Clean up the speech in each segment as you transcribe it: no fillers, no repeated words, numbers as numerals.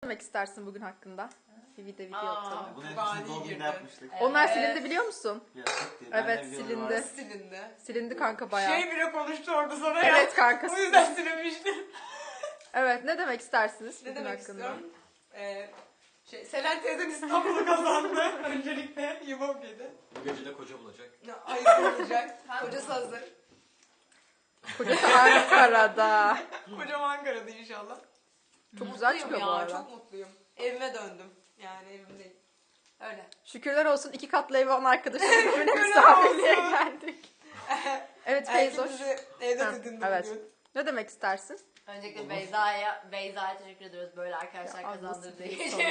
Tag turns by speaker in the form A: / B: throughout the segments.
A: demek istersin bugün hakkında? Bir video atalım.
B: Bunu hepsini doğum gününde yapmıştık.
A: Onlar silindi biliyor musun?
B: Ya, çok değil. Ben
A: Evet,
B: de biliyorum
A: silindi.
B: artık.
C: Silindi.
A: Silindi kanka bayağı.
C: Şey bile konuştu orada sana ya.
A: Evet kanka.
C: O yüzden silinmişti.
A: Evet, ne demek istersiniz
C: Ne
A: bugün
C: demek
A: hakkında?
C: istiyorum? Selen teyzem İstanbul'u kazandı. Öncelikle yumum yedi.
D: Bu gece de koca bulacak.
C: Hayır olacak. Kocası hazır.
A: Kocası Ankara'da.
C: Kocam Ankara'da inşallah.
A: Çok güzel
C: Mutluyum
A: çıkıyor
C: ya,
A: bu arada.
C: çok mutluyum. Evime döndüm. Yani evimdeyim. Öyle.
A: Şükürler olsun 2 katlı evi olan arkadaşlarımla misafirliğe geldik. Evet Feyzoş.
C: Herkesi evde
A: Ha,
C: dedin
A: evet.
C: bugün.
A: Ne demek istersin?
E: Öncelikle Beyza'ya teşekkür ediyoruz böyle arkadaşlar
A: Ya,
E: kazandırdığı
A: ablasını
E: için.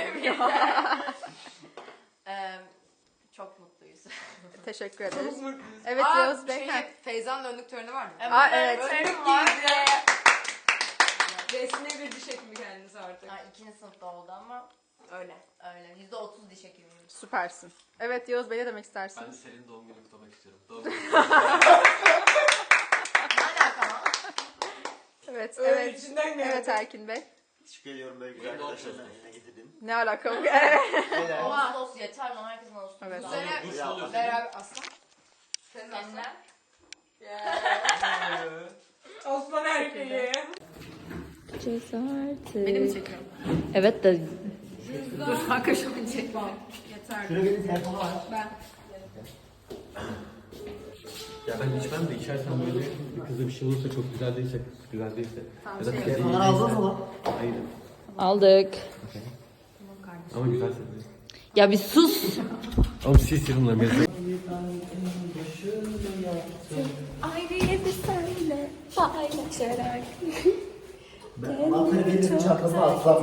E: Çok mutluyuz.
A: Teşekkür ederiz.
C: Çok mutluyuz.
A: Evet, Yağız Bey, ha.
C: Feyza'nın önlük töreni var mı?
A: Aa, evet.
C: Önlük giydi. Resmi bir diş hekimi kendisi artık.
E: Yani 2. sınıfta oldu ama
C: Öyle.
E: öyle. %30 diş hekimiyim.
A: Süpersin. Evet Yağız Bey, ne demek istersin?
D: Ben de Selin'in doğum gününü kutlamak istiyorum. Doğum günü.
E: Ne alaka lan?
A: Evet,
C: Öyle
A: evet.
C: içinden geldi.
A: Evet Erkin Bey.
B: Teşekkür ediyorum böyle güzel
D: Benim de
B: arkadaşlarla
D: olsun.
B: yine getirdim.
A: Ne alaka bu? Evet.
B: Helal.
E: Ağustos yeter lan herkesin Ağustos.
A: Evet.
C: Bu sene
D: Duş oluyor.
C: beraber aslan. Senin
E: Seninle.
C: Osman erkeği.
A: Beni mi çekiyorsun?
E: Evet de
A: Dur kanka şunu çekme.
B: Şurada benim telefonu var.
D: Ya ben içmem de içersem böyle bir kızda bir şey olursa çok güzel değilse, güzel değilse. Ya da kız iyi
B: Telefonları aldın mı lan?
D: Hayır.
E: aldık.
D: Ama güzelse.
E: Ya bir sus.
D: Oğlum sil serumla mezun.
F: Ayrıca senle paylaşarak
B: Anlatları benim çantamı atsam.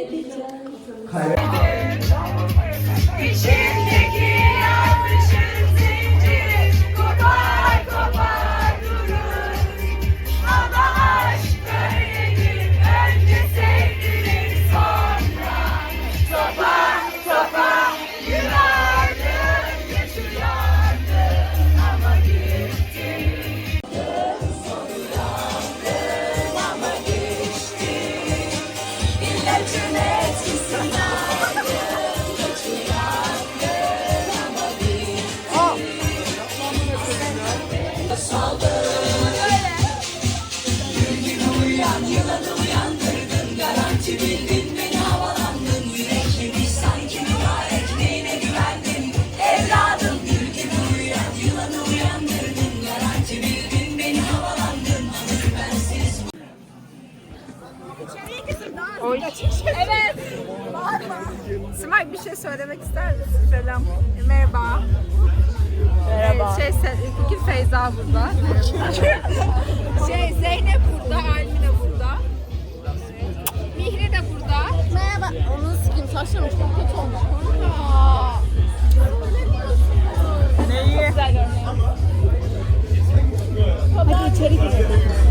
F: İçimdeki yanlışın zinciri kopar kopar durur. Ama aşk böyledir, önce sevdirir sonra topar topar yürürdüm, geçiyordum ama gitti. Ama geçti, ilacın etkisinden.
A: Oy. Evet. Simay bir şey söylemek ister misin? Selam. Merhaba. Merhaba. Bugün Feyza burada. Zeynep burada, Almina burada. Mihri de burada.
F: Merhaba. Onu sikeyim, saçlarım çok kötü olmuş.
A: Neyi?
F: Hadi içeri girelim.